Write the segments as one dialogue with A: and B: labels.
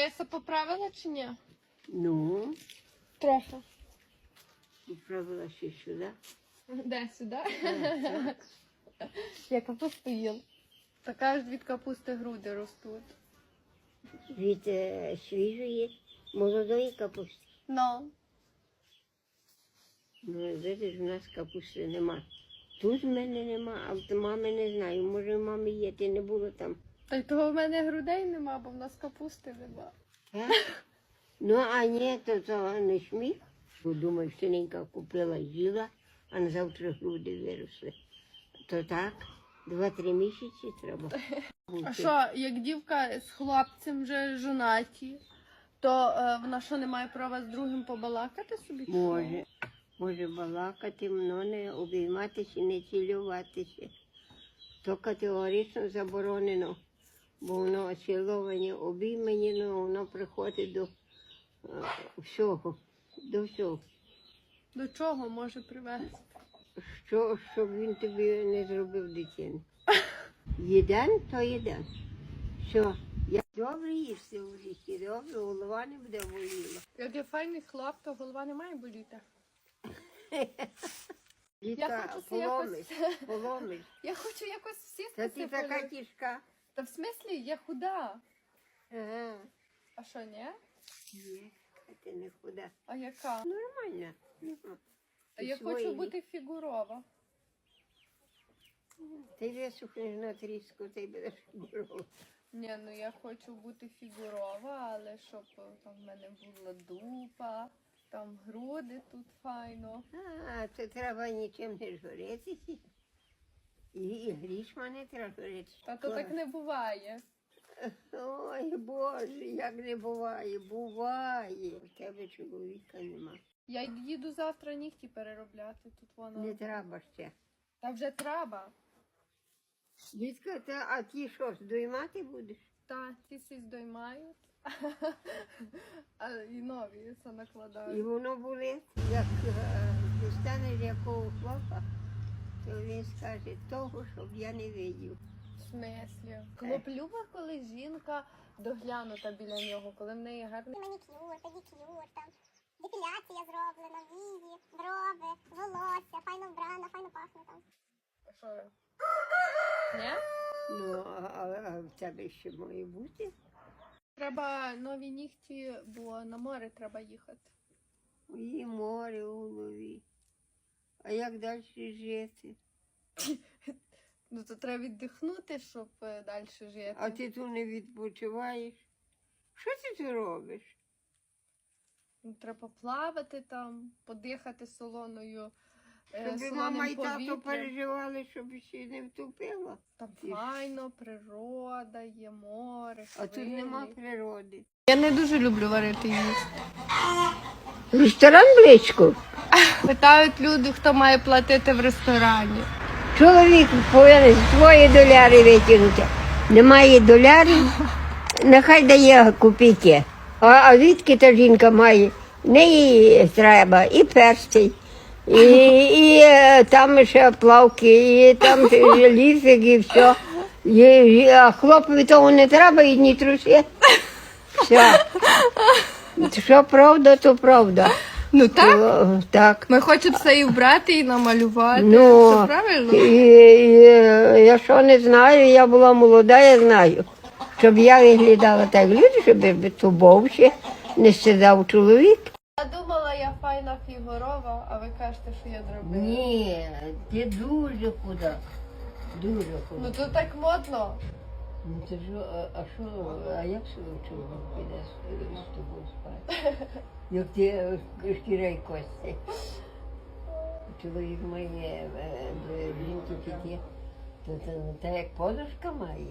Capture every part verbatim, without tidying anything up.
A: я се поправила чи ні?
B: Ну,
A: Трохи.
B: поправила ще сюди.
A: Де, сюди?
B: Так, так.
A: Я капусту їла. Така ж від капусти груди ростуть.
B: Від е, свіжої, молодої капусти.
A: Ну.
B: Ну, видиш, в нас капусти нема. Тут в мене нема, а в мами не знаю. Може, в мами є, ти не було там.
A: Та й того в мене грудей нема, бо в нас капусти нема.
B: Так? Ну, а ні, то, то не сміх. Бо думаю, синенька купила, їла, а на завтра груди виросли. То так, два-три місяці треба.
A: А що, як дівка з хлопцем вже жонаті, то е, вона що, не має права з другим побалакати собі? чи що?
B: Може, може балакати, но не обійматися, не цілюватися. То категорично заборонено, бо воно ціловані, обіймані, ну, воно приходить до е, всього, до всього.
A: До чого може привести?
B: Що, щоб він тобі не зробив дитину. Єден, то єден. Що, я добре їсти в житті, добре, голова не буде боліла.
A: Як є файний хлоп, то голова не має боліти.
B: Літа
A: хочу
B: поломиш, поломиш.
A: Я хочу якось всі
B: Та ти така тяжка.
A: Та в смислі, я худа.
B: Ага.
A: А що, ні?
B: Ні, ти не худа.
A: А яка?
B: Нормально. Нема.
A: Та я
B: Свої.
A: хочу бути фігурова.
B: Ти висухнеш на тріску, ти будеш фігурова.
A: Ні, ну я хочу бути фігурова, але щоб е, там в мене була дупа, там груди тут файно.
B: А, то треба нічим не журитися. І, і грішма не треба журитися.
A: Та то так не буває.
B: Ой, Боже, як не буває, буває. У тебе чоловіка нема.
A: Я їду завтра нігті переробляти, тут воно.
B: Не треба ще.
A: Та вже треба.
B: Дітка, та, а ті що, здоймати будеш?
A: Та, ті всі здоймають. А і нові це
B: І
A: накладають.
B: воно болить, як е, достанеш якого хлопа, то він скаже, того, щоб я не видів.
A: В смислі? Хлоп любить, коли жінка доглянута біля нього, коли в неї гарний.
C: Манікюр, педикюр, там, депіляція зроблена, вії, брови, волосся, файно вбрана, файно пахне там.
A: А що? Ні?
B: Ну, а, а в тебе ще має бути?
A: Треба нові нігті, бо на море треба їхати.
B: І море у голові. А як далі жити?
A: Ну то треба віддихнути, щоб е, далі жити.
B: А ти тут не відпочиваєш? Що ти тут робиш?
A: Ну, треба плавати там, подихати солоною. е,
B: Щоб
A: солоним
B: мама і тато
A: повітрям.
B: переживали, щоб ще не втопила.
A: Там
B: Ти ж-
A: файно, природа, є море,
B: А тут нема природи.
A: Я не дуже люблю варити їсти.
B: Ресторан близько.
A: Питають люди, хто має платити в ресторані.
B: Чоловік повинен свої доляри витягнути. Немає долярів, нехай дає копійки. А, а звідки та жінка має? В неї треба і перстень, і, і е, там ще плавки, і там ще лісик, і все. І, і, а хлопові того не треба, і ні труси. Все. Що правда, то правда.
A: Ну так,
B: О, так.
A: ми хочемо все і вбрати, і намалювати.
B: Ну,
A: Це правильно?
B: І, і, я що не знаю, я була молода, я знаю. Щоб я виглядала так люди, щоб тубовши, не сидав чоловік.
A: Я думала, я файна фігурова, а ви кажете, що я дробила.
B: Ні, ти дуже худа. Дуже худа.
A: Ну то так модно.
B: Ну, ти ж, а, а що, а як чоловік піде з, з тобою спати? Як ти е, шкіра й кості. Чоловік має е, до жінки піти, то, то, та як подушка має.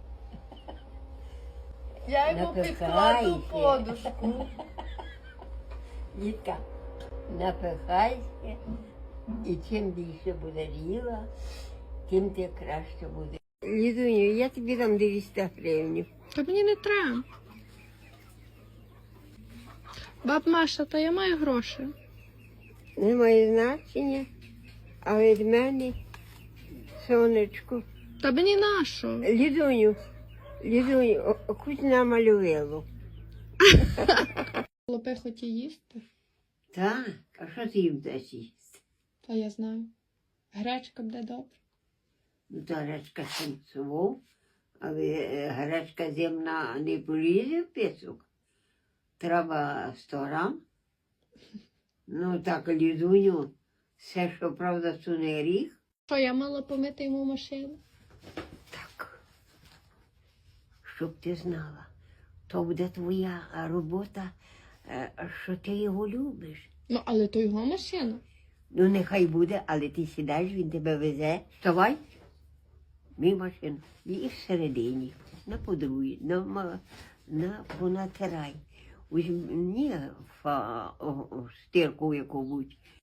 A: Я йому підкладу
B: Напихайся.
A: подушку.
B: Дітка, напихайся, і чим більше буде їла, тим ти краще буде. Лідуню, я тобі дам дев'яносто гривень.
A: Та мені не треба. Баб Маша, та я маю гроші.
B: Немає значення, а від мене, сонечко.
A: Та мені нащо?
B: Лідуню, Лідуню, хоч намалювало.
A: Хлопи хоті їсти?
B: Так, а що ти їм даш їсти?
A: Та я знаю. Гречка буде добре.
B: Ну, то гречка сенцову, але е, гречка земна не полізе в пісок. Треба сто грам. Ну, так, лізуню, все, що правда, суне гріх.
A: Що, я мала помити йому машину?
B: Так, щоб ти знала, то буде твоя робота, е, що ти його любиш.
A: Ну, але то його машина.
B: Ну, нехай буде, але ти сідаєш, він тебе везе. Вставай, мій машину. І всередині, на подругі, на, ма- на понатирай. Візьми фа, о, о, стирку яку-будь